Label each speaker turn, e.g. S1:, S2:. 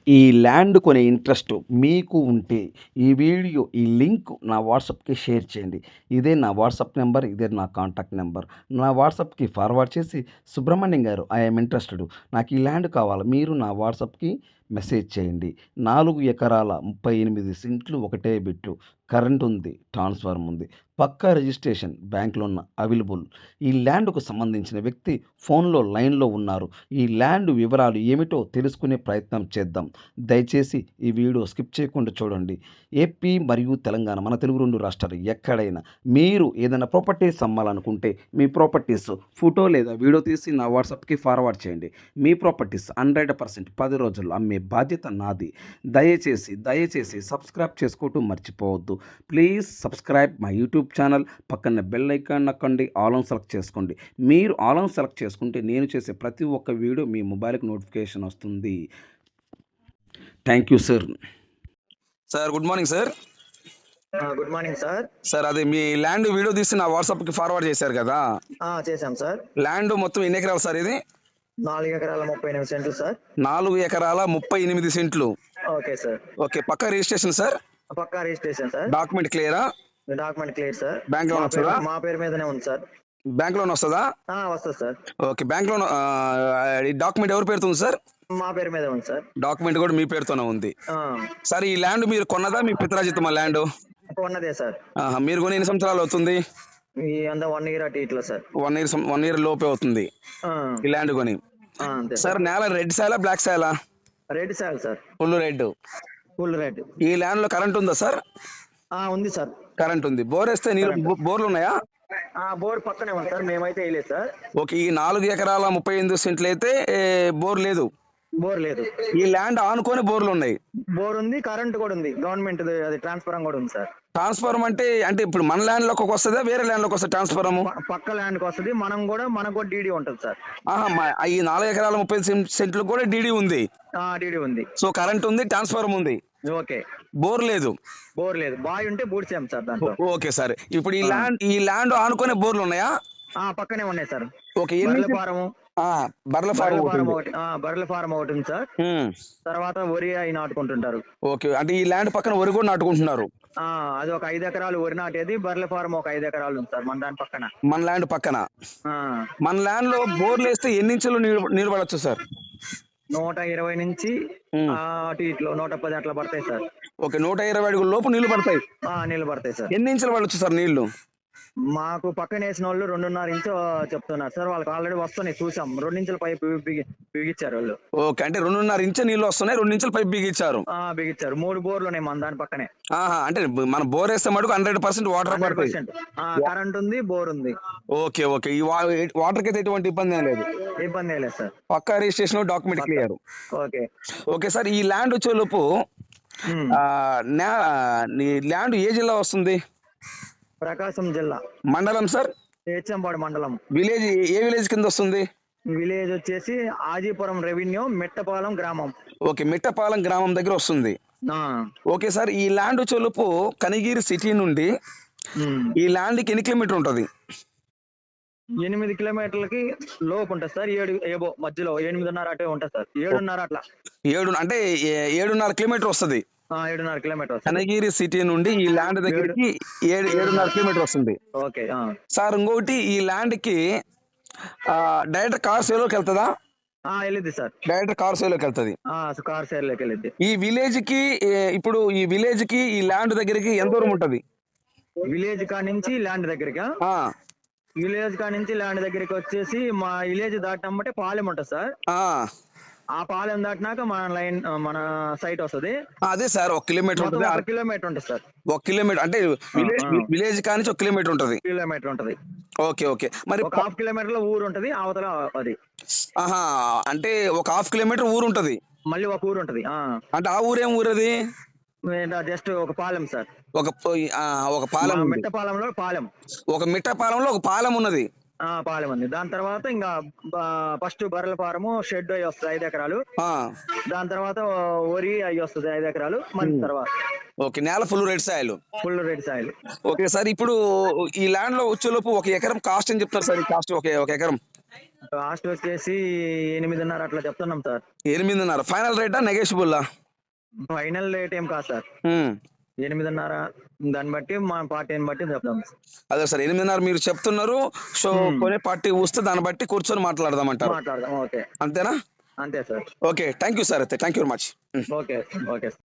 S1: ఈ ల్యాండ్ కొనే ఇంట్రెస్ట్ మీకు ఉంటే ఈ లింక్ నా వాట్సాప్‌కి షేర్ చేయండి. ఇదే నా వాట్సాప్ నంబర్. ఇదే నా కాంటాక్ట్ నంబర్. నా వాట్సాప్‌కి ఫార్వర్డ్ చేసి సుబ్రహ్మణ్యం గారు ఐ యామ్ ఇంట్రెస్టెడ్. నాకు ఈ ల్యాండ్ కావాలి. మీరు నా వాట్సాప్‌కి మెసేజ్ చేయండి. 4 ఎకరాల 38 సెంట్లు ఒకటే బిట్టు. కరెంట్ ఉంది. ట్రాన్స్‌ఫార్మర్ ఉంది. పక్కా రిజిస్ట్రేషన్ బ్యాంక్‌లో అవైలబుల్. ఈ ల్యాండ్‌కు సంబంధించిన వ్యక్తి ఫోన్‌లో లైన్‌లో ఉన్నారు. ఈ ల్యాండ్ వివరాలు ఏమిటో తెలుసుకునే ప్రయత్నం చేద్దాం. దయచేసి ఈ వీడియో స్కిప్ చేయకుండా చూడండి. ఏపీ మరియు తెలంగాణ మన తెలుగు 2 రాష్ట్రాలు ఎక్కడైనా మీరు ఏదైనా ప్రాపర్టీస్ అమ్మాలనుకుంటే మీ ప్రాపర్టీస్ ఫోటో లేదా వీడియో తీసి నా వాట్సాప్‌కి ఫార్వర్డ్ చేయండి. మీ ప్రాపర్టీస్ 100% 10 రోజుల్లో అమ్మే బాధ్యత నాది. దయచేసి సబ్స్క్రైబ్ చేసుకోవటం మర్చిపోవద్దు. Please subscribe my YouTube channel. పక్కన బెల్ ఐకాన్ నొక్కండి. ఆల్ ఆన్ సెలెక్ట్ చేసుకోండి. మీరు ఆల్ ఆన్ సెలెక్ట్ చేసుకుంటే నేను చేసే ప్రతి ఒక్క వీడియో మీ మొబైల్‌కి నోటిఫికేషన్ వస్తుంది. Thank you sir.
S2: Sir good morning sir.
S3: Good morning sir.
S2: Sir అది మీ ల్యాండ్ వీడియో తీసి నా వాట్సాప్కి ఫార్వర్డ్ చేశారు కదా.
S3: చేశాం సార్.
S2: ల్యాండ్ మొత్తం ఎన్ని ఎకరాలు సార్ ఇది?
S3: 4 ఎకరాల 38 సెంట్లు సార్.
S2: 4 ఎకరాల 38 సెంట్లు.
S3: Okay sir.
S2: ఓకే, పక్కా రిజిస్ట్రేషన్ సార్?
S3: పక్కా రిజిస్ట్రేషన్ సార్.
S2: డాక్యుమెంట్ క్లియరా?
S3: Document clear sir.
S2: Bank loan వస్తుందా?
S3: మా పేరు మీదనే ఉంది సార్.
S2: బ్యాంక్ లోన్ వస్తుందా?
S3: వస్తుంది సార్.
S2: ఓకే, బ్యాంక్ లోన్ ఈ డాక్యుమెంట్ ఎవరి పేరుతో ఉంది సార్?
S3: మా పేరు మీద ఉంది సార్.
S2: డాక్యుమెంట్ కూడా మీ పేరుతోనే ఉంది. సార్ ఈ ల్యాండ్ మీరు కొన్నదా మీ పిత్రాజితమా ల్యాండ్?
S3: ఉన్నదే సార్.
S2: మీరు కొని ఎన్ని సంవత్సరాలు అవుతుంది?
S3: ఈ అంతా 1 ఇయర్ అటు ఇట్లా సార్.
S2: 1 ఇయర్ లోపే అవుతుంది ఈ ల్యాండ్ కొని.
S3: అంతే
S2: సార్ నేల రెడ్ సాయలా బ్లాక్ సాయలా?
S3: Red sir sir.
S2: Full red.
S3: Full red.
S2: ఈ ల్యాండ్ లో కరెంట్ ఉందా సార్?
S3: ఉంది సార్.
S2: కరెంట్ ఉంది. బోర్ వేస్తే నీళ్ళు బోర్లు ఉన్నాయా?
S3: బోర్ పక్కనే ఉంది సార్. మేమైతే వేయలేదు సార్.
S2: ఓకే, ఈ 4 ఎకరాల 38 సెంట్లు అయితే బోర్ లేదు.
S3: బోర్ లేదు.
S2: ఈ ల్యాండ్ ఆనుకొని బోర్లు ఉన్నాయి.
S3: బోర్ ఉంది, కరెంట్ కూడా ఉంది. గవర్నమెంట్ అది ట్రాన్స్ఫారం కూడా ఉంది సార్.
S2: ట్రాన్స్ఫార్మర్ అంటే ఇప్పుడు మన ల్యాండ్ లోకి వస్తుందా వేరే ల్యాండ్ లోకి వస్తుంది ట్రాన్స్ఫార్మర్?
S3: పక్క ల్యాండ్ కి వస్తుంది. మనకు కూడా డీడీ ఉంటుంది సార్.
S2: ఈ 4 ఎకరాల 30 సెంట్లు కూడా డీడీ ఉంది.
S3: డీడీ ఉంది.
S2: సో కరెంట్ ఉంది, ట్రాన్స్ఫార్మర్ ఉంది.
S3: ఓకే.
S2: బోర్ లేదు.
S3: బోర్ లేదు. బాయ్ ఉంటే బూడ్చాం సార్ దాంట్లో.
S2: ఓకే సార్, ఇప్పుడు ఈ ల్యాండ్ ఆనుకునే బోర్లు ఉన్నాయా?
S3: పక్కనే ఉన్నాయి సార్.
S2: ఓకే,
S3: బర్రెల ఫారం ఒకటి ఉంది సార్. తర్వాత వరి అవి నాటుకుంటుంటారు.
S2: ఓకే, అంటే ఈ ల్యాండ్ పక్కన వరి కూడా నాటుకుంటున్నారు.
S3: అది ఒక 5 ఎకరాలు వరి నాటేది. బర్రెల ఫారం ఒక 5 ఎకరాలు ఉంది సార్ మన దాని పక్కన.
S2: మన ల్యాండ్ పక్కన. మన ల్యాండ్ లో బోర్లు వేస్తే ఎన్ని ఇంచులు నీళ్ళు పడవచ్చు సార్?
S3: 120 నుంచి అటు ఇట్లో 110 అట్లా పడతాయి సార్.
S2: ఓకే, 120 అడుగుల లోపు నీళ్లు పడతాయి.
S3: నీళ్లు పడతాయి సార్.
S2: ఎన్ని ఇంచులు పడవచ్చు సార్ నీళ్లు?
S3: మాకు పక్కన వేసిన వాళ్ళు 2.5 ఇంచు చెప్తున్నారు సార్. వాళ్ళకి ఆల్రెడీ వస్తున్నాయి, చూసాం. 2 ఇంచుల పైపు బిగించారు వాళ్ళు.
S2: ఓకే, అంటే 2.5 ఇంచు నీళ్లు వస్తున్నాయి, 2 ఇంచుల పైపు బిగించారు.
S3: బిగించారు. 3 బోర్లు ఉన్నాయి మన దాని పక్కనే.
S2: అంటే మన బోర్ వేస్తే మటుకు 100% వాటర్ పడుతుంది.
S3: కరెంట్ ఉంది, బోర్ ఉంది.
S2: ఓకే ఓకే, ఈ వాటర్ కి ఎటువంటి ఇబ్బంది ఏం లేదు.
S3: ఇబ్బంది లేదు సార్.
S2: పక్కా registration, document clear.
S3: Okay
S2: okay sir, ఈ ల్యాండ్ వచ్చేలోపు ల్యాండ్ ఏ జిల్లా వస్తుంది?
S3: ప్రకాశం జిల్లా.
S2: మండలం సార్?
S3: హెచ్చంపాడు మండలం.
S2: విలేజ్ ఏ విలేజ్ కింద వస్తుంది?
S3: విలేజ్ వచ్చేసి ఆజీపురం రెవెన్యూ మిట్టపాలెం గ్రామం.
S2: ఓకే, మిట్టపాలెం గ్రామం దగ్గర వస్తుంది. ఓకే సార్, ఈ ల్యాండ్ వచ్చేలోపు కనిగిరి సిటీ నుండి ఈ ల్యాండ్ కి ఎన్ని కిలోమీటర్ ఉంటది?
S3: 8 కిలోమీటర్లకి లోపు ఉంటుంది సార్. 7 మధ్యలో 8.5 అటే ఉంటుంది సార్. 7.5 అట్లా.
S2: 7 అంటే 7.5 కిలోమీటర్ వస్తుంది.
S3: 7.5 కిలోమీటర్.
S2: కనగిరి సిటీ నుండి ఈ ల్యాండ్ దగ్గరికి 7.5 కిలోమీటర్ వస్తుంది.
S3: ఓకే
S2: సార్, ఇంకోటి ఈ ల్యాండ్ కి డైరెక్ట్ కార్ సేలోకి వెళ్తుందా?
S3: వెళ్ళిద్ది సార్.
S2: డైరెక్ట్ కార్ సేలోకి వెళ్తుంది.
S3: కార్ సేల్లోకి వెళ్ళిద్ది.
S2: ఈ విలేజ్ కి ఈ ల్యాండ్ దగ్గరికి ఎంత దూరం ఉంటది?
S3: విలేజ్ కా నుంచి ల్యాండ్ దగ్గరగా? విలేజ్ కా నుంచి ల్యాండ్ దగ్గరికి వచ్చేసి మా విలేజ్ దాటినమ్మంటే పాలెం ఉంటుంది సార్. ఆ పాలెం దాటినాక మన సైట్ వస్తుంది.
S2: అదే సార్, 1 కిలోమీటర్ ఉంటుంది.
S3: 1 కిలోమీటర్ ఉంటుంది సార్.
S2: 1 కిలోమీటర్ అంటే విలేజ్ కానించి 1 కిలోమీటర్ ఉంటుంది.
S3: కిలోమీటర్ ఉంటుంది.
S2: ఓకే ఓకే, మరి
S3: 1/2 కిలోమీటర్ లో ఊరు ఉంటది అవతల అది.
S2: అంటే 1/2 కిలోమీటర్ ఊరు ఉంటది.
S3: మళ్ళీ ఒక ఊరు ఉంటది.
S2: అంటే ఆ ఊరేం ఊరది?
S3: జస్ట్ ఒక పాలెం సార్.
S2: ఒక పాలెం.
S3: మిట్టపాలెంలో పాలెం.
S2: ఒక మిట్టపాలెంలో ఒక పాలెం ఉన్నది.
S3: పాలెం ఉంది. దాని తర్వాత ఇంకా ఫస్ట్ బర్రెల ఫారము షెడ్ అవి వస్తుంది 5 ఎకరాలు. దాని తర్వాత వరి అవి వస్తుంది 5 ఎకరాలు. మళ్ళీ తర్వాత
S2: ఓకే, నేల full red soil.
S3: Full red soil.
S2: Okay sir, ఇప్పుడు ఈ ల్యాండ్ లో వచ్చేలోపు 1 ఎకరం కాస్ట్ అని చెప్తారు సార్. ఈ కాస్ట్ ఒక ఎకరం
S3: కాస్ట్ వచ్చేసి 8.5 అట్లా చెప్తున్నాం సార్.
S2: 8.5 ఫైనల్ రేటా నెగోషియబుల్లా?
S3: ఫైనల్ రేట్ ఏం కాదు సార్. 8.5 దాన్ని బట్టి మా పార్టీని బట్టి చెప్తాం.
S2: అదే సార్ 8.5 మీరు చెప్తున్నారు. సో కొనే పార్టీ వస్తే దాన్ని బట్టి కూర్చొని మాట్లాడదామంటారు.
S3: మాట్లాడదాం. ఓకే,
S2: అంతేనా?
S3: అంతే sir.
S2: Okay, thank you sir. అయితే thank you very much.
S3: Okay okay.